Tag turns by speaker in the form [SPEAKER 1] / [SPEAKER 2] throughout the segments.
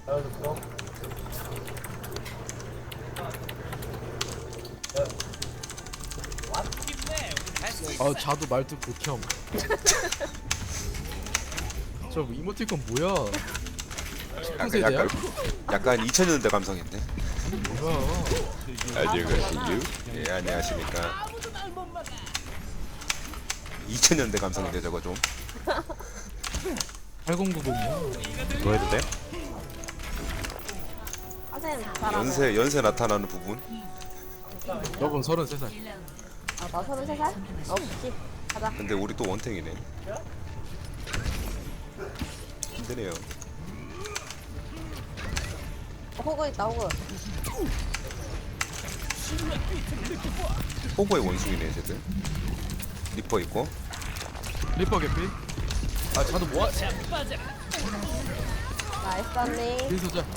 [SPEAKER 1] 자도 말투 극혐. 저 이모티콘 뭐야?
[SPEAKER 2] 약간 2000년대 감성인데.
[SPEAKER 1] 뭐야?
[SPEAKER 2] 안녕하세요. 예, 안녕하십니까. 2000년대 감성인데 저거 좀.
[SPEAKER 1] 8090이야?
[SPEAKER 3] 뭐 해도 돼?
[SPEAKER 4] 선생님 잘하네.
[SPEAKER 2] 연세 나타나는 부분.
[SPEAKER 1] 여분 33살.
[SPEAKER 4] 아, 나 33살? 없지. 가자.
[SPEAKER 2] 근데 우리 또 원탱이네. 힘드네요.
[SPEAKER 4] 호구 있다, 호구.
[SPEAKER 2] 호구의 원숭이네 쟤들. 리퍼 있고.
[SPEAKER 1] 리퍼 개피. 자도 뭐야?
[SPEAKER 4] 나이스, 언니.
[SPEAKER 1] 빈소자.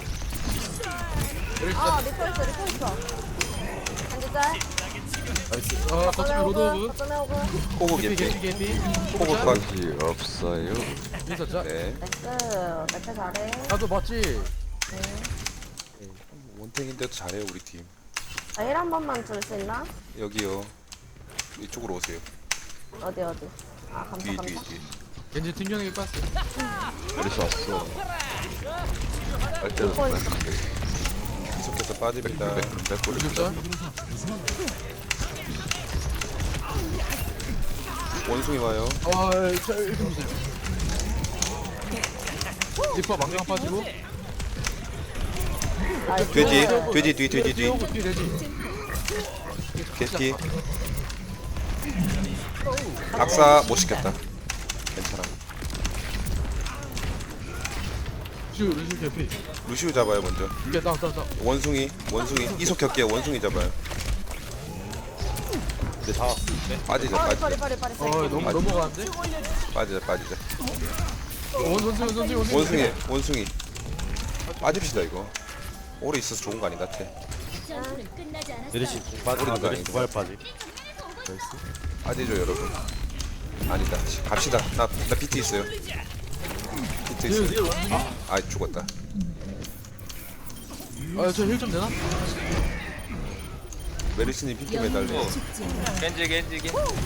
[SPEAKER 4] 아, 리퍼 있어, 리퍼 있어. 한지 짤.
[SPEAKER 1] 나이스. 거점에 로드 오브.
[SPEAKER 4] 거점에 호구.
[SPEAKER 2] 호구
[SPEAKER 1] 개피
[SPEAKER 2] 개피.
[SPEAKER 1] 개피 개피.
[SPEAKER 2] 호구
[SPEAKER 1] 자.
[SPEAKER 2] 컷.
[SPEAKER 3] 없어요.
[SPEAKER 1] 빈소자.
[SPEAKER 2] 네.
[SPEAKER 4] 나이스. 맥주 잘해.
[SPEAKER 1] 자도 맞지?
[SPEAKER 2] 원탱인데도 잘해요 우리 팀.
[SPEAKER 4] 아, 1한 번만 줄 수 있나?
[SPEAKER 2] 여기요. 이쪽으로 오세요.
[SPEAKER 4] 어디, 어디. 아, 감사,
[SPEAKER 2] 뒤.
[SPEAKER 4] 감사.
[SPEAKER 1] 겐지 팀명에게 빤스.
[SPEAKER 3] 어디서 왔어? 할 때도
[SPEAKER 4] 리퍼
[SPEAKER 2] 계속해서 빠집니다.
[SPEAKER 1] 빈소자.
[SPEAKER 2] 원숭이 와요.
[SPEAKER 1] 자, 이렇게 보세요. 리퍼 망령 빠지고.
[SPEAKER 4] 나이스.
[SPEAKER 2] 돼지 뒤.
[SPEAKER 1] 뒤 돼지.
[SPEAKER 2] 개피. 박사 못 시켰다. 괜찮아.
[SPEAKER 1] 루시 개피.
[SPEAKER 2] 루시우 잡아요 먼저.
[SPEAKER 1] 이게 나.
[SPEAKER 2] 원숭이 이속 격게 원숭이 잡아요.
[SPEAKER 3] 근데 다
[SPEAKER 2] 빠지자.
[SPEAKER 1] 너무 넘어가는데?
[SPEAKER 2] 빠지자.
[SPEAKER 1] 원숭이.
[SPEAKER 2] 빠집시다 이거. 오래 있어서 좋은 거 아닌 것 같아.
[SPEAKER 3] 메리시
[SPEAKER 2] 빠지는 거
[SPEAKER 3] 메리시
[SPEAKER 2] 아닌가?
[SPEAKER 3] 두발 빠지.
[SPEAKER 2] 빠지죠 여러분. 아니다. 갑시다. 나 비트 있어요. 비트 있어요. 아 죽었다.
[SPEAKER 1] 저 힐 좀 되나?
[SPEAKER 2] 메리스님 비트 매달려.
[SPEAKER 5] 겐지.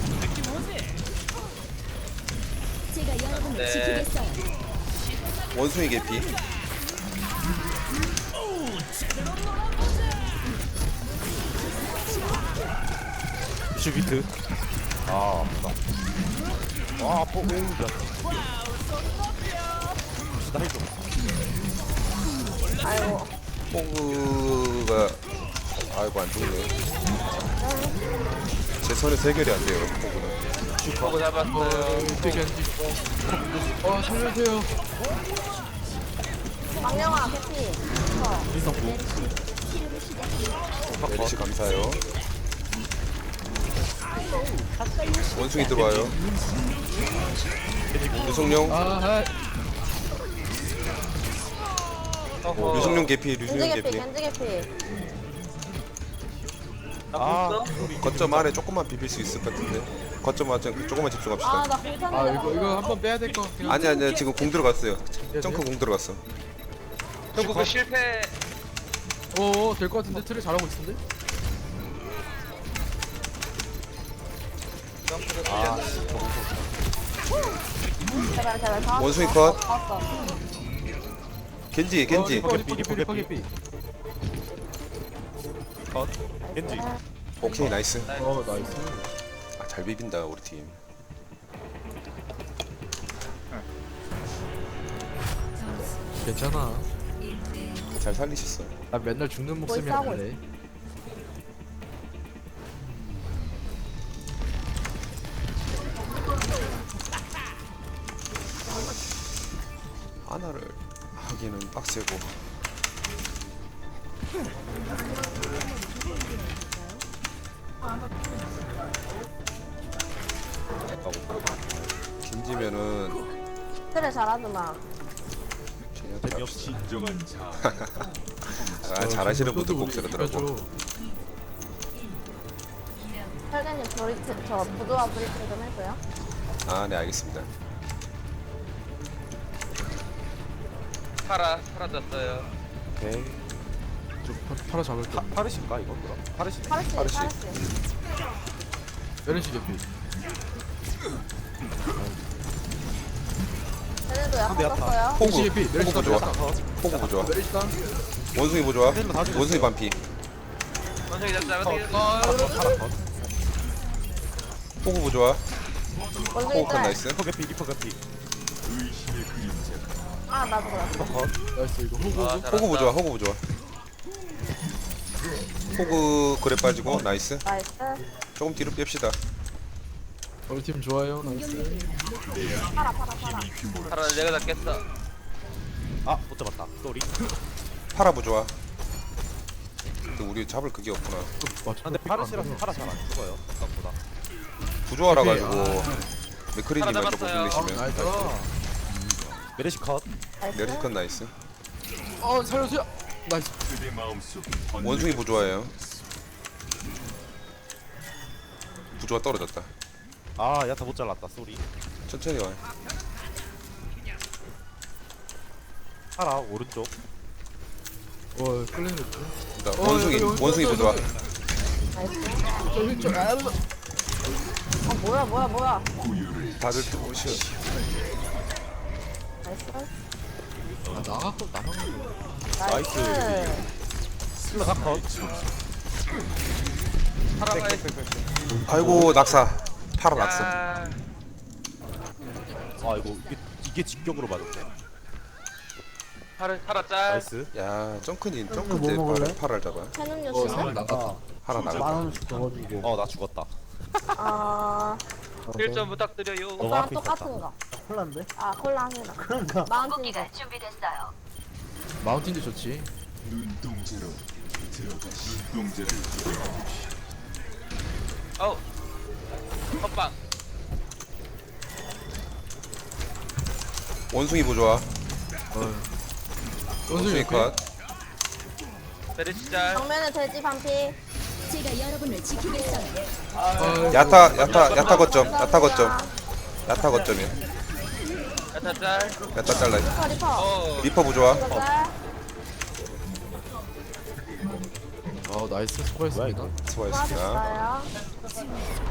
[SPEAKER 6] 제가 여러분을
[SPEAKER 5] 네.
[SPEAKER 6] 지키겠어요.
[SPEAKER 2] 원숭이 개피.
[SPEAKER 3] 슈비트. 아 아프다. 와 아파. 오우 야. 나 해줘.
[SPEAKER 4] 아이고.
[SPEAKER 2] 호그가 아이고 안 죽네. 제 손에 해결이 안 돼요. 호그는.
[SPEAKER 5] 보고 잡았어요.
[SPEAKER 1] 겐지. 살려주세요.
[SPEAKER 4] 망령아, 캐피.
[SPEAKER 2] 메리시 감사해요. 원숭이 들어와요. 유성룡. 유성룡 개피.
[SPEAKER 4] 겐지 개피.
[SPEAKER 3] 아
[SPEAKER 2] 거점 아래 조금만 비빌 수 있을 것 같은데. 거점 아래 조금만 집중합시다.
[SPEAKER 4] 아, 나 공탄인데.
[SPEAKER 1] 이거 한번 빼야 될 거.
[SPEAKER 2] 아니 지금 공 들어갔어요. 점프 공 들어갔어.
[SPEAKER 5] 결국 실패.
[SPEAKER 1] 될 것 같은데 트레 잘하고 있는데?
[SPEAKER 4] 제발. 다
[SPEAKER 2] 원숭이
[SPEAKER 4] 왔어.
[SPEAKER 2] 컷.
[SPEAKER 4] 다 왔어.
[SPEAKER 2] 겐지.
[SPEAKER 1] 리퍼 개피.
[SPEAKER 3] 겐지.
[SPEAKER 2] 오케이 나이스.
[SPEAKER 1] 나이스.
[SPEAKER 2] 아, 잘 비빈다 우리 팀.
[SPEAKER 1] 괜찮아.
[SPEAKER 2] 잘 살리셨어.
[SPEAKER 1] 나 맨날 죽는 목숨이
[SPEAKER 4] 싸우고
[SPEAKER 1] 아닌데.
[SPEAKER 2] 하나를 하기는 빡세고. 겐지면은
[SPEAKER 4] 그래, 잘하더만.
[SPEAKER 2] 그냥
[SPEAKER 3] 역시
[SPEAKER 2] 아, 잘하시는 분들 꼭 쓰더라고.
[SPEAKER 4] 설계님, 저 부두와 브리핑 좀 해줘요.
[SPEAKER 2] 아, 네 알겠습니다.
[SPEAKER 5] 파라 졌어요.
[SPEAKER 3] 오케이.
[SPEAKER 1] 팔아 잡을게.
[SPEAKER 3] 파르신가 이거 그럼? 파르시네.
[SPEAKER 4] 파르시
[SPEAKER 2] 파르시.
[SPEAKER 4] 파르시.
[SPEAKER 1] 메르시 개피.
[SPEAKER 4] 쟤네도 약간
[SPEAKER 3] 근데 야타.
[SPEAKER 4] 썼어요.
[SPEAKER 2] 호구
[SPEAKER 1] 메르시 개피. 메르시
[SPEAKER 2] 호구
[SPEAKER 1] 다
[SPEAKER 2] 좋아. 호구 부좋아.
[SPEAKER 1] 메르시 다.
[SPEAKER 2] 원숭이 부좋아.
[SPEAKER 3] 다 죽였어.
[SPEAKER 2] 원숭이 반피.
[SPEAKER 5] 원숭이 잡자. 원숭이 잡자.
[SPEAKER 3] 파라 컷.
[SPEAKER 2] 호구 부좋아.
[SPEAKER 4] 원숭이
[SPEAKER 2] 호구 컷
[SPEAKER 4] 짤.
[SPEAKER 2] 나이스.
[SPEAKER 3] 리퍼 개피 리퍼 개피.
[SPEAKER 4] 아 나도 그래.
[SPEAKER 3] 리퍼 컷.
[SPEAKER 1] 나이스 이거 호구.
[SPEAKER 5] 아,
[SPEAKER 2] 호구 부좋아. 호구 부좋아. 호구 그래 빠지고 나이스.
[SPEAKER 4] 나이스.
[SPEAKER 2] 조금 뒤로 뺍시다.
[SPEAKER 1] 우리 팀 좋아요. 나이스.
[SPEAKER 4] 파라.
[SPEAKER 5] 파라 내가 잡겠어.
[SPEAKER 3] 아못 잡았다. 쏘리.
[SPEAKER 2] 파라 부좋아. 근데 우리 잡을 그게 없구나.
[SPEAKER 3] 근데 파르시라서 파라 잘 안 죽어요. 생각보다.
[SPEAKER 2] 부조하라 가지고 맥크리님만
[SPEAKER 5] 하나
[SPEAKER 2] 조금
[SPEAKER 5] 잡았어요.
[SPEAKER 2] 빌리시면.
[SPEAKER 1] 나이스.
[SPEAKER 3] 메르시 컷.
[SPEAKER 4] 나이스.
[SPEAKER 2] 내리컷 나이스.
[SPEAKER 1] 살려주세요. 나이스.
[SPEAKER 2] 원숭이 부조화예요. 부조화 떨어졌다.
[SPEAKER 3] 아 야타 못 잘랐다. 쏘리.
[SPEAKER 2] 천천히 와.
[SPEAKER 3] 파라 오른쪽.
[SPEAKER 1] 끌리는 거.
[SPEAKER 2] 나 원숭이 부조화.
[SPEAKER 4] 나이스. 뭐야.
[SPEAKER 2] 다들 오시오.
[SPEAKER 4] 나이스.
[SPEAKER 1] 나갔고 나만.
[SPEAKER 4] 나이스.
[SPEAKER 3] 슬러 다 컷.
[SPEAKER 5] 파라가
[SPEAKER 2] 아이고 낙사. 파라 낙사.
[SPEAKER 5] 야.
[SPEAKER 3] 아 이거 이게 직격으로 맞았네.
[SPEAKER 5] 파라 짤.
[SPEAKER 3] 나이스.
[SPEAKER 2] 야 점크님 점크 때 파라를 잡아.
[SPEAKER 4] 해는
[SPEAKER 1] 어
[SPEAKER 4] 요시.
[SPEAKER 1] 사람 나갔다.
[SPEAKER 2] 하나 나가.
[SPEAKER 3] 나 죽었다.
[SPEAKER 4] 아
[SPEAKER 5] 1점 부탁드려요.
[SPEAKER 3] 너무
[SPEAKER 4] 오빠랑
[SPEAKER 3] 앞에
[SPEAKER 4] 똑같은
[SPEAKER 3] 있었다.
[SPEAKER 4] 거. 콜라인데? 아 콜라입니다. 그러니까. 마운틴.
[SPEAKER 1] 마운틴도 좋지.
[SPEAKER 5] 어우. 헛방.
[SPEAKER 2] 원숭이 부조화. 원숭이
[SPEAKER 1] 원숭이
[SPEAKER 2] 컷.
[SPEAKER 5] 베르시 짤.
[SPEAKER 4] 정면에 돼지 반피.
[SPEAKER 6] 제가 여러분을 지키겠어요.
[SPEAKER 2] 야타 거점. 야타 거점이야.
[SPEAKER 5] 야타 짤.
[SPEAKER 2] 야타 잘라.
[SPEAKER 4] 리퍼.
[SPEAKER 5] 어.
[SPEAKER 2] 리퍼 부조화.
[SPEAKER 4] 이거 짤.
[SPEAKER 1] 나이스 수고했습니다.
[SPEAKER 2] 수고하셨습니다.
[SPEAKER 4] 수고하셨어요.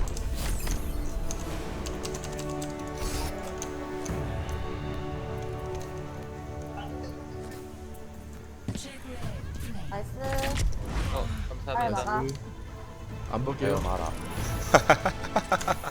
[SPEAKER 4] 나이스.
[SPEAKER 5] 어,
[SPEAKER 4] 빨리
[SPEAKER 5] 감사합니다.
[SPEAKER 4] 나가.
[SPEAKER 1] 안 볼게요.
[SPEAKER 3] 마라.